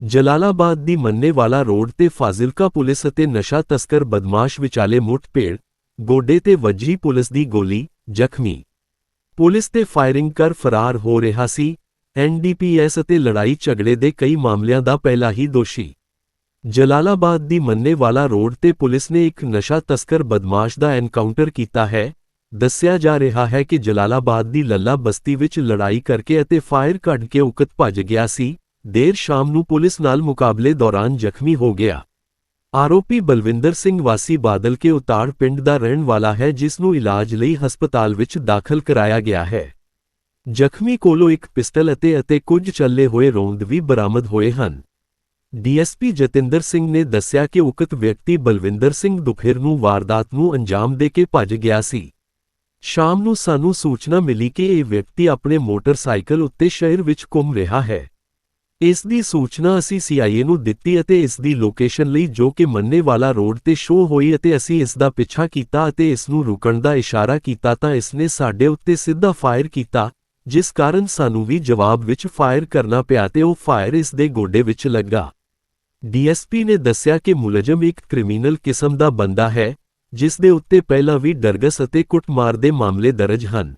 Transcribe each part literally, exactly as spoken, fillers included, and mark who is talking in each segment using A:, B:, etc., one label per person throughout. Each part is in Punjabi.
A: ਜਲਾਲਾਬਾਦ ਦੀ ਮੰਨੇਵਾਲਾ ਰੋਡ ਤੇ ਫਾਜ਼ਿਲਕਾ ਪੁਲਿਸ ਅਤੇ ਨਸ਼ਾ ਤਸਕਰ ਬਦਮਾਸ਼ ਵਿਚਾਲੇ ਮੁੱਠਭੇੜ, ਗੋਡੇ ਤੇ ਵੱਜੀ ਪੁਲਿਸ ਦੀ ਗੋਲੀ, ਜ਼ਖਮੀ। ਪੁਲਿਸ ਤੇ ਫਾਇਰਿੰਗ ਕਰ ਫਰਾਰ ਹੋ ਰਿਹਾ ਸੀ ਐਨ ਡੀ ਪੀ ਐਸ ਅਤੇ ਲੜਾਈ ਝਗੜੇ ਦੇ ਕਈ ਮਾਮਲਿਆਂ ਦਾ ਪਹਿਲਾ ਹੀ ਦੋਸ਼ੀ। ਜਲਾਲਾਬਾਦ ਦੀ ਮੰਨੇਵਾਲਾ ਰੋਡ ਤੇ ਪੁਲਿਸ ਨੇ ਇੱਕ ਨਸ਼ਾ ਤਸਕਰ ਬਦਮਾਸ਼ ਦਾ ਐਨਕਾਊਂਟਰ ਕੀਤਾ ਹੈ। ਦੱਸਿਆ ਜਾ ਰਿਹਾ ਹੈ ਕਿ ਜਲਾਲਾਬਾਦ ਦੀ ਲੱਲਾ ਬਸਤੀ ਵਿੱਚ ਲੜਾਈ ਕਰਕੇ ਅਤੇ ਫਾਇਰ ਕੱਢ ਕੇ ਉਕਤ ਭੱਜ ਗਿਆ ਸੀ। ਦੇਰ ਸ਼ਾਮ ਨੂੰ ਪੁਲਿਸ ਨਾਲ ਮੁਕਾਬਲੇ ਦੌਰਾਨ ਜ਼ਖਮੀ ਹੋ ਗਿਆ। ਆਰੋਪੀ ਬਲਵਿੰਦਰ ਸਿੰਘ ਵਾਸੀ ਬਾਦਲ ਕੇ ਉਤਾੜ ਪਿੰਡ ਦਾ ਰਹਿਣ ਵਾਲਾ ਹੈ, ਜਿਸ ਨੂੰ ਇਲਾਜ ਲਈ ਹਸਪਤਾਲ ਵਿੱਚ ਦਾਖਲ ਕਰਾਇਆ ਗਿਆ ਹੈ। ਜ਼ਖਮੀ ਕੋਲੋਂ ਇੱਕ ਪਿਸਟਲ ਅਤੇ ਅਤੇ ਕੁਝ ਚੱਲੇ ਹੋਏ ਰੌਂਦ ਵੀ ਬਰਾਮਦ ਹੋਏ ਹਨ। D S P Jatinder Singh ਨੇ ਦੱਸਿਆ ਕਿ ਉਕਤ ਵਿਅਕਤੀ ਬਲਵਿੰਦਰ ਸਿੰਘ ਦੁਪਹਿਰ ਨੂੰ ਵਾਰਦਾਤ ਨੂੰ ਅੰਜਾਮ ਦੇ ਕੇ ਭੱਜ ਗਿਆ ਸੀ। ਸ਼ਾਮ ਨੂੰ ਸਾਨੂੰ ਸੂਚਨਾ ਮਿਲੀ ਕਿ ਇਹ ਵਿਅਕਤੀ ਆਪਣੇ ਮੋਟਰਸਾਈਕਲ ਉੱਤੇ ਸ਼ਹਿਰ ਵਿੱਚ ਘੁੰਮ ਰਿਹਾ ਹੈ। ਇਸ ਦੀ ਸੂਚਨਾ ਅਸੀਂ ਸੀ ਆਈ ਏ ਨੂੰ ਦਿੱਤੀ ਅਤੇ ਇਸ ਦੀ ਲੋਕੇਸ਼ਨ ਲਈ, ਜੋ ਕਿ ਮੰਨੇਵਾਲਾ ਰੋਡ ਤੇ ਸ਼ੋਅ ਹੋਈ, ਅਤੇ ਅਸੀਂ ਇਸ ਦਾ ਪਿੱਛਾ ਕੀਤਾ ਅਤੇ ਇਸ ਨੂੰ ਰੁਕਣ ਦਾ ਇਸ਼ਾਰਾ ਕੀਤਾ ਤਾਂ ਇਸ ਨੇ ਸਾਡੇ ਉੱਤੇ ਸਿੱਧਾ ਫਾਇਰ ਕੀਤਾ, ਜਿਸ ਕਾਰਨ ਸਾਨੂੰ ਵੀ ਜਵਾਬ ਵਿੱਚ ਫਾਇਰ ਕਰਨਾ ਪਿਆ ਤੇ ਉਹ ਫਾਇਰ ਇਸ ਦੇ ਗੋਡੇ ਵਿੱਚ ਲੱਗਾ। ਡੀ ਐਸ ਪੀ ਨੇ ਦੱਸਿਆ ਕਿ ਮੁਲਜ਼ਮ ਇੱਕ ਕ੍ਰਿਮੀਨਲ ਕਿਸਮ ਦਾ ਬੰਦਾ ਹੈ, ਜਿਸ ਦੇ ਉੱਤੇ ਪਹਿਲਾਂ ਵੀ ਡਰਗਸ ਅਤੇ ਕੁੱਟਮਾਰ ਦੇ ਮਾਮਲੇ ਦਰਜ ਹਨ।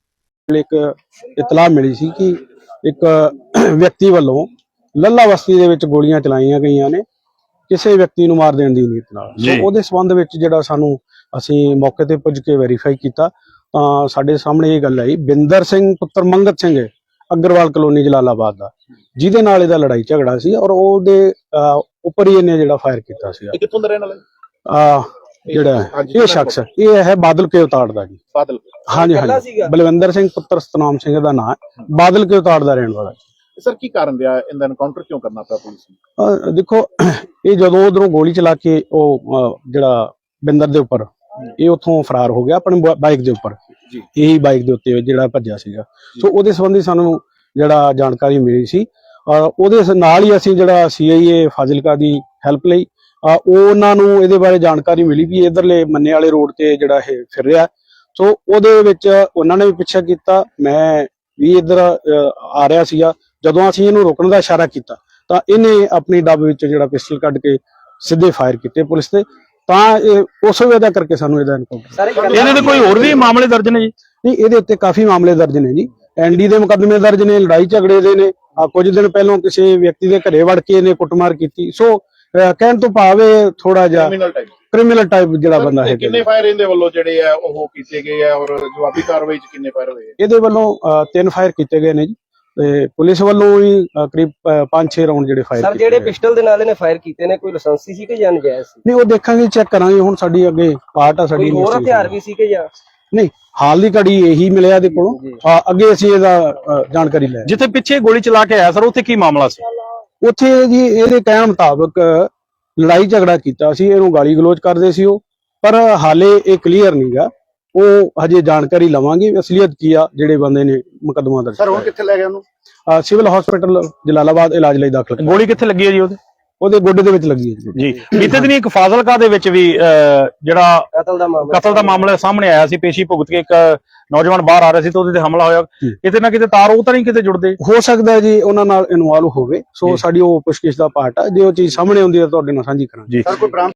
B: ਇੱਕ ਇਤਲਾਹ ਮਿਲੀ ਸੀ ਕਿ ਇੱਕ ਵਿਅਕਤੀ ਵੱਲੋਂ ਲੱਲਾ ਬਸਤੀ ਦੇ ਵਿੱਚ ਗੋਲੀਆਂ ਚਲਾਈਆਂ ਗਈਆਂ ਨੇ ਕਿਸੇ ਵਿਅਕਤੀ ਨੂੰ ਮਾਰ ਦੇਣ ਦੀ ਨੀਅਤ ਨਾਲ। ਸੋ ਉਹਦੇ ਸੰਬੰਧ ਵਿੱਚ ਜਿਹੜਾ ਸਾਨੂੰ ਅਸੀਂ ਮੌਕੇ ਤੇ ਪੁੱਜ ਕੇ ਵੈਰੀਫਾਈ ਕੀਤਾ ਤਾਂ ਸਾਡੇ ਸਾਹਮਣੇ ਇਹ ਗੱਲ ਆਈ, ਬਿੰਦਰ ਸਿੰਘ ਪੁੱਤਰ ਮੰਗਤ ਸਿੰਘ ਅਗਰਵਾਲ ਕਲੋਨੀ ਜਲਾਲਾਬਾਦ ਦਾ, ਜਿਹਦੇ ਨਾਲ ਇਹਦਾ ਲੜਾਈ ਝਗੜਾ ਸੀ ਔਰ ਉਹਦੇ ਉੱਪਰ ਹੀ ਇਹਨੇ ਜਿਹੜਾ ਫਾਇਰ ਕੀਤਾ ਸੀ।
C: ਕਿੱਥੋਂ ਦਾ ਰਹਿਣ ਵਾਲਾ
B: ਆ ਜਿਹੜਾ ਇਹ ਸ਼ਖਸ ਇਹ ਹੈ ਬਾਦਲ ਕੇ ਉਤਾੜ ਦਾ ਜੀ।
C: ਬਾਦਲ
B: ਹਾਂਜੀ ਹਾਂਜੀ ਬਲਵਿੰਦਰ ਸਿੰਘ ਪੁੱਤਰ ਸਤਨਾਮ ਸਿੰਘ ਦਾ ਨਾਮ ਹੈ, ਬਾਦਲ ਕੇ ਉਤਾੜ ਦਾ ਰਹਿਣ ਵਾਲਾ।
C: ਸਰ ਕੀ ਕਾਰਨ ਰਿਹਾ ਇਹਦਾ ਐਨਕਾਊਂਟਰ ਕਿਉਂ ਕਰਨਾ ਪਿਆ ਪੁਲਿਸ ਨੂੰ?
B: ਦੇਖੋ, ਇਹ ਜਦੋਂ ਉਧਰੋਂ ਗੋਲੀ ਚਲਾ ਕੇ ਉਹ ਜਿਹੜਾ ਬਿੰਦਰ ਦੇ ਉੱਪਰ ਇਹ ਉੱਥੋਂ ਫਰਾਰ ਹੋ ਗਿਆ ਆਪਣੀ ਬਾਈਕ ਦੇ ਉੱਪਰ, ਇਹੀ ਬਾਈਕ ਦੇ ਉੱਤੇ ਜਿਹੜਾ ਭੱਜਿਆ ਸੀਗਾ। ਸੋ ਉਹਦੇ ਸੰਬੰਧੀ ਸਾਨੂੰ ਜਿਹੜਾ ਜਾਣਕਾਰੀ ਮਿਲੀ ਸੀ, ਉਹਦੇ ਨਾਲ ਹੀ ਅਸੀਂ ਜਿਹੜਾ ਸੀ ਆਈ ਏ ਫਾਜ਼ਿਲਕਾ ਦੀ ਹੈਲਪ ਲਈ ਉਹਨਾਂ ਨੂੰ ਇਹਦੇ ਬਾਰੇ ਜਾਣਕਾਰੀ ਮਿਲੀ ਵੀ ਇਧਰਲੇ ਮੰਨੇ ਵਾਲੇ ਰੋਡ ਤੇ ਜਿਹੜਾ ਇਹ ਫਿਰ ਰਿਹਾ। ਸੋ ਉਹਦੇ ਵਿੱਚ ਉਹਨਾਂ ਨੇ ਵੀ ਪਿੱਛਾ ਕੀਤਾ, ਮੈਂ ਵੀ ਇੱਧਰ ਆ ਰਿਹਾ ਸੀਗਾ। ਜਦੋਂ ਅਸੀਂ ਇਹਨੂੰ ਰੋਕਣ ਦਾ ਇਸ਼ਾਰਾ ਕੀਤਾ ਤਾਂ ਇਹਨੇ ਆਪਣੀ ਡੱਬ ਵਿੱਚ ਜਿਹੜਾ ਪਿਸਟਲ ਕੱਢ ਕੇ ਸਿੱਧੇ ਫਾਇਰ ਕੀਤੇ ਪੁਲਿਸ ਤੇ, ਤਾਂ ਇਹ ਉਸ ਵਜ੍ਹਾ ਕਰਕੇ ਸਾਨੂੰ ਇਹਦਾ ਐਨਕਾਊਂਟਰ।
D: ਇਹਦੇ ਤੇ ਕੋਈ ਹੋਰ ਵੀ ਮਾਮਲੇ ਦਰਜ ਨੇ ਜੀ?
B: ਨਹੀਂ, ਇਹਦੇ ਉੱਤੇ ਕਾਫੀ ਮਾਮਲੇ ਦਰਜ ਨੇ ਜੀ। ਐਨ ਡੀ ਦੇ ਮੁਕੱਦਮੇ ਦਰਜ ਨੇ, ਲੜਾਈ ਝਗੜੇ ਦੇ ਨੇ। ਕੁਝ ਦਿਨ ਪਹਿਲਾਂ ਕਿਸੇ ਵਿਅਕਤੀ ਦੇ ਘਰੇ ਵੜ ਕੇ ਇਹਨੇ ਕੁੱਟਮਾਰ ਕੀਤੀ। ਸੋ ਕਹਿਣ ਤੋਂ ਭਾਵੇਂ ਥੋੜਾ ਜਿਹਾ ਕ੍ਰਿਮੀਨਲ ਟਾਈਪ ਜਿਹੜਾ ਬੰਦਾ ਹੈ।
C: ਕਿੰਨੇ ਫਾਇਰ ਇਹਦੇ ਵੱਲੋਂ ਜਿਹੜੇ ਆ ਉਹ ਕੀਤੇ ਗਏ ਆ ਔਰ ਜਵਾਬੀ ਕਾਰਵਾਈ ਚ ਕਿੰਨੇ ਫਾਇਰ ਹੋਏ?
B: ਇਹਦੇ ਵੱਲੋਂ ਤਿੰਨ ਫਾਇਰ ਕੀਤੇ ਗਏ ਨੇ ਜੀ, ਤੇ ਪੁਲਿਸ ਵੱਲੋਂ ਵੀ ਕਰੀਬ ਪੰਜ ਛੇ ਰਾਉਂਡ ਜਿਹੜੇ ਫਾਇਰ
E: ਸਰ ਜਿਹੜੇ ਪਿਸਟਲ ਦੇ ਨਾਲ ਇਹਨੇ ਫਾਇਰ ਕੀਤੇ ਨੇ, ਕੋਈ ਲਾਇਸੈਂਸੀ ਸੀ ਕਿ ਜਾਂ ਨਜਾਇਜ਼ ਸੀ?
B: ਨਹੀਂ, ਉਹ ਦੇਖਾਂਗੇ, ਚੈੱਕ ਕਰਾਂਗੇ। ਹੁਣ ਸਾਡੀ ਅੱਗੇ ਪਾਰਟ ਆ ਸਾਡੀ।
E: ਹੋਰ ਹਥਿਆਰ ਵੀ ਸੀ ਕਿ ਜਾਂ
B: ਨਹੀਂ? ਹਾਲ ਦੀ ਘੜੀ ਇਹੀ ਮਿਲਿਆ ਇਹਦੇ ਕੋਲੋਂ। ਅੱਗੇ ਅਸੀਂ ਇਹਦਾ ਜਾਣਕਾਰੀ ਲੈ।
D: ਜਿੱਥੇ ਪਿੱਛੇ ਗੋਲੀ ਚਲਾ ਕੇ ਆਇਆ ਸਰ, ਉੱਥੇ ਕੀ ਮਾਮਲਾ ਸੀ?
B: ਉੱਥੇ ਜੀ ਇਹਦੇ ਕਹਿਣ ਮੁਤਾਬਕ ਲੜਾਈ ਝਗੜਾ ਕੀਤਾ ਸੀ, ਇਹਨੂੰ ਗਾਲੀ ਗਲੋਚ ਕਰਦੇ ਸੀ ਉਹ, ਪਰ ਹਾਲੇ ਇਹ ਕਲੀਅਰ ਨਹੀਂਗਾ। ਉਹ ਹਜੇ ਜਾਣਕਾਰੀ ਲਵਾਂਗੇ ਅਸਲੀਅਤ ਕੀ ਆ ਜਿਹੜੇ ਬੰਦੇ ਨੇ ਮੁਕੱਦਮਾ ਦਰਜ।
C: ਸਰ ਹੁਣ ਕਿੱਥੇ ਲੈ ਗਏ ਉਹਨੂੰ?
B: ਸਿਵਲ ਹਸਪੀਟਲ ਜਲਾਲਾਬਾਦ ਇਲਾਜ ਲਈ ਦਾਖਲ।
D: ਗੋਲੀ ਕਿੱਥੇ ਲੱਗੀ ਹੈ ਜੀ? ਉਹਦੇ
B: ਉਹਦੇ ਗੋਡੇ ਦੇ ਵਿੱਚ ਲੱਗੀ ਹੈ
D: ਜੀ। ਬੀਤੇ ਦਿਨ ਇੱਕ ਫਾਜ਼ਿਲਕਾ ਦੇ ਵਿੱਚ ਵੀ ਜਿਹੜਾ
E: ਕਤਲ ਦਾ ਮਾਮਲਾ
D: ਕਤਲ ਦਾ ਮਾਮਲਾ ਸਾਹਮਣੇ ਆਇਆ ਸੀ। ਪੇਸ਼ੀ ਭੁਗਤ ਕੇ ਇੱਕ ਨੌਜਵਾਨ ਬਾਹਰ ਆ ਰਿਹਾ ਸੀ ਤੇ ਉਹਦੇ ਤੇ ਹਮਲਾ ਹੋਇਆ। ਕਿਤੇ ਨਾ ਕਿਤੇ ਤਾਰ ਉਹ ਤਾਂ ਨਹੀਂ ਕਿਤੇ ਜੁੜਦੇ?
B: ਹੋ ਸਕਦਾ ਜੀ ਉਹਨਾਂ ਨਾਲ ਇਨਵੋਲਵ ਹੋਵੇ। ਸੋ ਸਾਡੀ ਉਹ ਪੁੱਛਗਿੱਛ ਦਾ ਪਾਰਟ ਆ। ਜੇ ਉਹ ਚੀਜ਼ ਸਾਹਮਣੇ ਆਉਂਦੀ ਹੈ ਤੁਹਾਡੇ ਨਾਲ ਸਾਂਝੀ ਕਰਾਂਗੇ।